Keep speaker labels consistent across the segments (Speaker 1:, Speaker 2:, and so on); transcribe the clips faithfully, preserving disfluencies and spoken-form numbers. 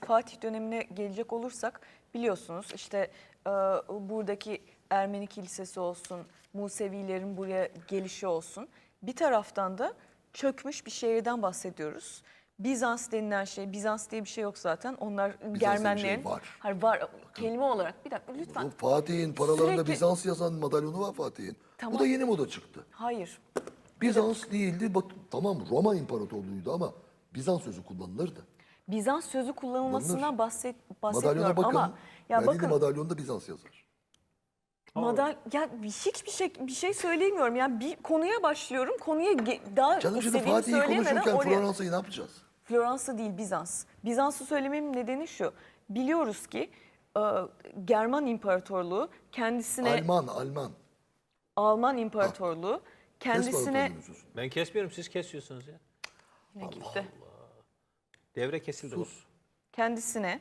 Speaker 1: Fatih dönemine gelecek olursak biliyorsunuz işte e, buradaki Ermeni kilisesi olsun, Musevilerin buraya gelişi olsun. Bir taraftan da çökmüş bir şehirden bahsediyoruz. Bizans denilen şey, Bizans diye bir şey yok zaten. Onlar
Speaker 2: Bizans diye bir
Speaker 1: Germenlerin...
Speaker 2: şey var.
Speaker 1: Hayır, var kelime olarak. Bir dakika lütfen.
Speaker 2: Fatih'in paralarında
Speaker 1: Sürekli-
Speaker 2: Bizans yazan madalyonu var Fatih'in.
Speaker 1: Tamam.
Speaker 2: Bu da yeni moda çıktı.
Speaker 1: Hayır.
Speaker 2: Bizans değildi. Bak, tamam Roma İmparatorluğu'ydu ama Bizans sözü kullanılırdı.
Speaker 1: Bizans sözü kullanılmasından bahset,
Speaker 2: Madalyona
Speaker 1: bahsetmiyorum
Speaker 2: bakın.
Speaker 1: ama ya
Speaker 2: Verdiği
Speaker 1: bakın
Speaker 2: madalyonda Bizans yazar.
Speaker 1: madal ya hiçbir şey bir şey söyleyemiyorum. Yani bir konuya başlıyorum. Konuya ge- daha
Speaker 2: Canım şimdi
Speaker 1: istediğimi
Speaker 2: Fatih'i
Speaker 1: söyleyemeden
Speaker 2: konuşurken
Speaker 1: oraya.
Speaker 2: Floransa'yı ne yapacağız?
Speaker 1: Floransa değil, Bizans. Bizans'ı söylememin nedeni şu. Biliyoruz ki e, German İmparatorluğu kendisine
Speaker 2: Alman, Alman.
Speaker 1: Alman İmparatorluğu
Speaker 2: Kes
Speaker 1: kendisine
Speaker 2: bakalım sözünü.
Speaker 3: Ben kesmiyorum, siz kesiyorsunuz ya.
Speaker 1: ne gitti?
Speaker 3: Devre kesildi. bu.
Speaker 1: Kendisine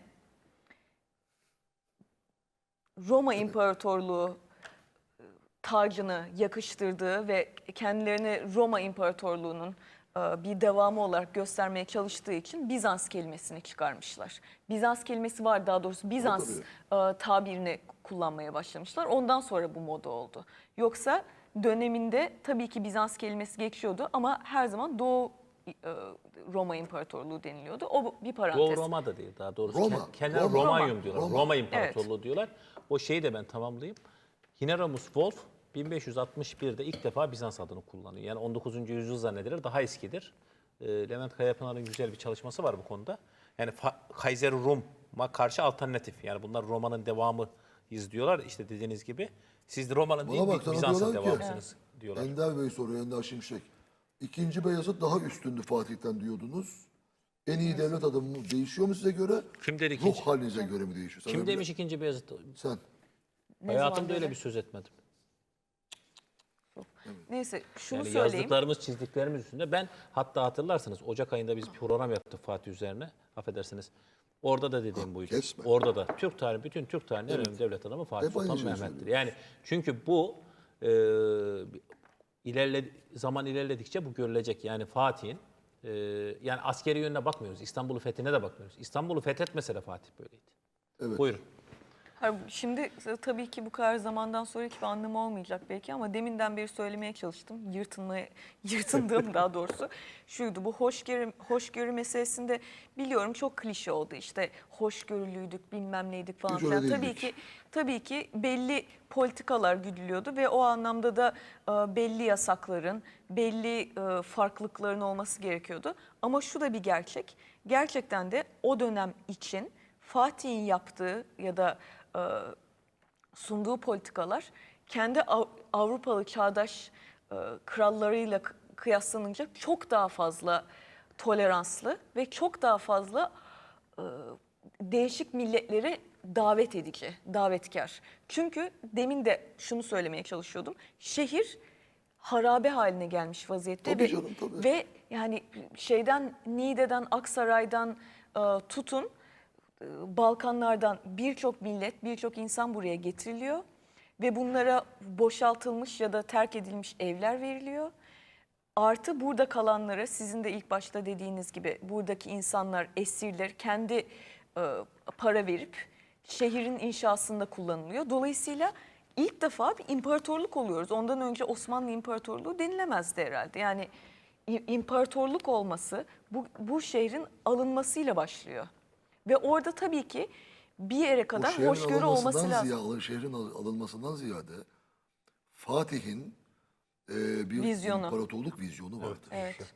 Speaker 1: Roma İmparatorluğu tacını yakıştırdığı ve kendilerini Roma İmparatorluğu'nun e, bir devamı olarak göstermeye çalıştığı için Bizans kelimesini çıkarmışlar. Bizans kelimesi var, daha doğrusu Bizans e, tabirini kullanmaya başlamışlar. Ondan sonra bu moda oldu. Yoksa döneminde tabii ki Bizans kelimesi geçiyordu ama her zaman Doğu e, Roma İmparatorluğu deniliyordu. O bir parantez.
Speaker 3: Doğu Roma da değil, daha doğrusu
Speaker 2: Roma,
Speaker 3: Ke- Kenar
Speaker 2: Roma,
Speaker 3: Romanyum
Speaker 1: Roma.
Speaker 3: diyorlar.
Speaker 2: Roma.
Speaker 3: Roma İmparatorluğu diyorlar. O şeyi de ben tamamlayayım. Hieronymus Wolf bin beş yüz altmış bir'de ilk defa Bizans adını kullanıyor. Yani on dokuzuncu yüzyıl zannedilir, daha eskidir. Ee, Levent Kayapınar'ın güzel bir çalışması var bu konuda. Yani Kaiser Rum'a karşı alternatif. Yani bunlar Roma'nın devamı diyorlar işte dediğiniz gibi. Siz de Roma'nın değil,
Speaker 2: Bana bak sana
Speaker 3: Bizans'ın
Speaker 2: diyorlar ki,
Speaker 3: devamısınız diyorlar.
Speaker 2: Ender Bey soruyor, Ender Şimşek. İkinci Beyazıt daha üstündü Fatih'ten diyordunuz. En iyi devlet adamı değişiyor mu size göre?
Speaker 3: Kim dedi
Speaker 2: Ruh
Speaker 3: ikinci?
Speaker 2: halinize göre mi değişiyor? Sana
Speaker 3: Kim
Speaker 2: göre-
Speaker 3: demiş ikinci Beyazıt?
Speaker 2: Sen.
Speaker 1: Ne
Speaker 3: Hayatımda
Speaker 1: zaman
Speaker 3: öyle
Speaker 1: böyle?
Speaker 3: bir söz etmedim.
Speaker 1: Neyse şunu
Speaker 3: Yani
Speaker 1: söyleyeyim.
Speaker 3: yazdıklarımız, çizdiklerimiz üstünde ben hatta hatırlarsanız Ocak ayında biz bir program yaptık Fatih üzerine. Affedersiniz. Orada da dediğim buydu.
Speaker 2: kesme.
Speaker 3: Orada da Türk tarihi, bütün Türk tarihinin en önemli devlet adamı Fatih
Speaker 2: Hep aynı
Speaker 3: Sultan
Speaker 2: şeyi
Speaker 3: Mehmet'tir.
Speaker 2: söylüyoruz.
Speaker 3: Yani çünkü bu e, ilerle, zaman ilerledikçe bu görülecek. Yani Fatih'in e, yani askeri yönüne bakmıyoruz. İstanbul'u fethine de bakmıyoruz. İstanbul'u fethetmese de Fatih böyleydi.
Speaker 2: Evet.
Speaker 3: Buyurun.
Speaker 1: Hayır, şimdi tabii ki bu kadar zamandan sonraki bir anlamı olmayacak belki ama deminden beri söylemeye çalıştım. Yırtınmaya, yırtındığım daha doğrusu şuydu. Bu hoşgörü, hoşgörü meselesinde biliyorum çok klişe oldu. İşte hoşgörülüydük, bilmem neydik falan
Speaker 2: Hiç öyle
Speaker 1: filan. Tabii
Speaker 2: değildik.
Speaker 1: ki tabii ki belli politikalar güdülüyordu ve o anlamda da e, belli yasakların, belli e, farklılıkların olması gerekiyordu. Ama şu da bir gerçek. Gerçekten de o dönem için Fatih'in yaptığı ya da e, sunduğu politikalar kendi Av- Avrupalı çağdaş e, krallarıyla k- kıyaslanınca çok daha fazla toleranslı ve çok daha fazla e, değişik milletleri davet edici, davetkar. Çünkü demin de şunu söylemeye çalışıyordum. Şehir harabe haline gelmiş vaziyette
Speaker 2: Tabii
Speaker 1: ve,
Speaker 2: canım, tabii.
Speaker 1: ve yani şeyden Niğde'den, Aksaray'dan e, tutun Balkanlardan birçok millet, birçok insan buraya getiriliyor ve bunlara boşaltılmış ya da terk edilmiş evler veriliyor. Artı burada kalanlara sizin de ilk başta dediğiniz gibi buradaki insanlar, esirler kendi e, para verip şehrin inşasında kullanılıyor. Dolayısıyla ilk defa bir imparatorluk oluyoruz. Ondan önce Osmanlı İmparatorluğu denilemezdi herhalde. Yani i- imparatorluk olması bu, bu şehrin alınmasıyla başlıyor. Ve orada tabii ki bir yere
Speaker 2: O
Speaker 1: kadar
Speaker 2: şehrin
Speaker 1: hoşgörü olması
Speaker 2: alınmasından
Speaker 1: lazım.
Speaker 2: ziyade, şehrin al- alınmasından ziyade Fatih'in e, bir
Speaker 1: Vizyonu.
Speaker 2: imparatorluk vizyonu vardı.
Speaker 1: Evet.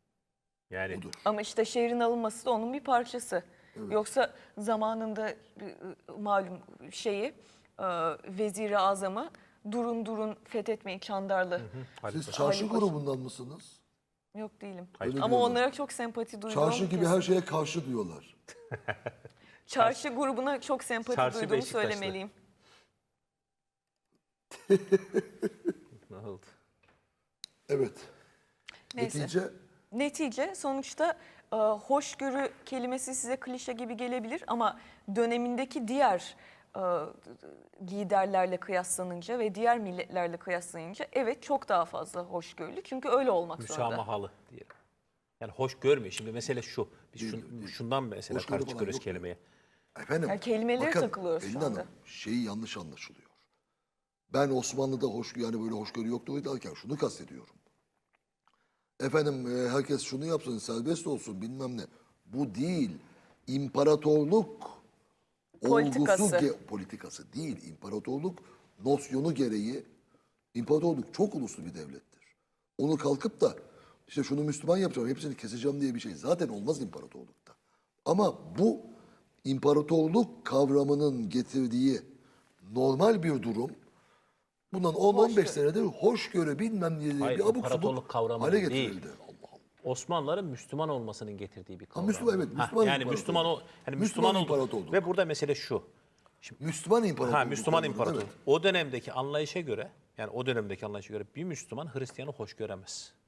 Speaker 3: Yani
Speaker 2: Budur.
Speaker 1: Ama işte şehrin alınması da onun bir parçası. Yoksa zamanında e, malum şeyi e, Vezir-i Azam'ı durun durun fethetmeyin Çandarlı.
Speaker 2: Siz
Speaker 3: Halit
Speaker 2: çarşı
Speaker 1: Halil Paşa.
Speaker 2: grubundan mısınız?
Speaker 1: Yok değilim.
Speaker 2: Öyle
Speaker 1: Ama
Speaker 2: diyorlar.
Speaker 1: onlara çok sempati duyuyorum.
Speaker 2: Çarşı gibi
Speaker 1: kesin.
Speaker 2: her şeye karşı diyorlar.
Speaker 1: Çarşı grubuna çok sempati
Speaker 3: Çarşı
Speaker 1: duyduğumu
Speaker 3: Beşiktaşlı.
Speaker 1: söylemeliyim.
Speaker 3: ne oldu?
Speaker 2: Evet.
Speaker 1: Neyse.
Speaker 2: Netice
Speaker 1: Netice sonuçta e, hoşgörü kelimesi size klişe gibi gelebilir ama dönemindeki diğer e, liderlerle kıyaslanınca ve diğer milletlerle kıyaslanınca evet çok daha fazla hoşgörülü. Çünkü öyle olmak zorunda.
Speaker 3: Müsamahalı diyelim. Yani hoş görmüyor. Şimdi mesele şu. Biz
Speaker 2: Değil,
Speaker 3: şun-
Speaker 2: değil.
Speaker 3: şundan mesela
Speaker 2: Hoşgörü
Speaker 3: karşı
Speaker 2: falan
Speaker 3: çıkıyoruz
Speaker 2: yok.
Speaker 3: kelimeye.
Speaker 2: Efendim,
Speaker 1: Yani kelimelere
Speaker 2: bakın,
Speaker 1: takılıyoruz şu
Speaker 2: Pelin
Speaker 1: anda.
Speaker 2: Hanım, şeyi yanlış anlaşılıyor. Ben Osmanlı'da hoşgörü, yani böyle hoşgörü yoktu derken şunu kastediyorum. Efendim e, herkes şunu yapsın, serbest olsun bilmem ne. Bu değil. İmparatorluk
Speaker 1: Politikası.
Speaker 2: olgusu, ge- politikası değil. İmparatorluk nosyonu gereği, imparatorluk çok uluslu bir devlettir. Onu kalkıp da işte şunu Müslüman yapacağım, hepsini keseceğim diye bir şey zaten olmaz imparatorlukta. Ama bu imparatorluk kavramının getirdiği normal bir durum. Bundan on on beş senedir hoşgörü bilmem ne diye
Speaker 3: Hayır,
Speaker 2: bir abuk
Speaker 3: imparatorluk
Speaker 2: subuk
Speaker 3: kavramı
Speaker 2: hale
Speaker 3: değil.
Speaker 2: getirildi. Allah Allah.
Speaker 3: Osmanlıların Müslüman olmasının getirdiği bir kavram.
Speaker 2: Müslüman, evet,
Speaker 3: Ha,
Speaker 2: Müslüman
Speaker 3: yani
Speaker 2: imparatorluk.
Speaker 3: Müslüman o yani
Speaker 2: Müslüman
Speaker 3: Müslüman, oldu.
Speaker 2: imparatorluk.
Speaker 3: Ve burada mesele şu.
Speaker 2: Müslüman imparatorluk.
Speaker 3: Ha Müslüman
Speaker 2: kavramı,
Speaker 3: imparatorluk.
Speaker 2: evet.
Speaker 3: O dönemdeki anlayışa göre, yani o dönemdeki anlayışa göre bir Müslüman Hristiyanı hoş göremez.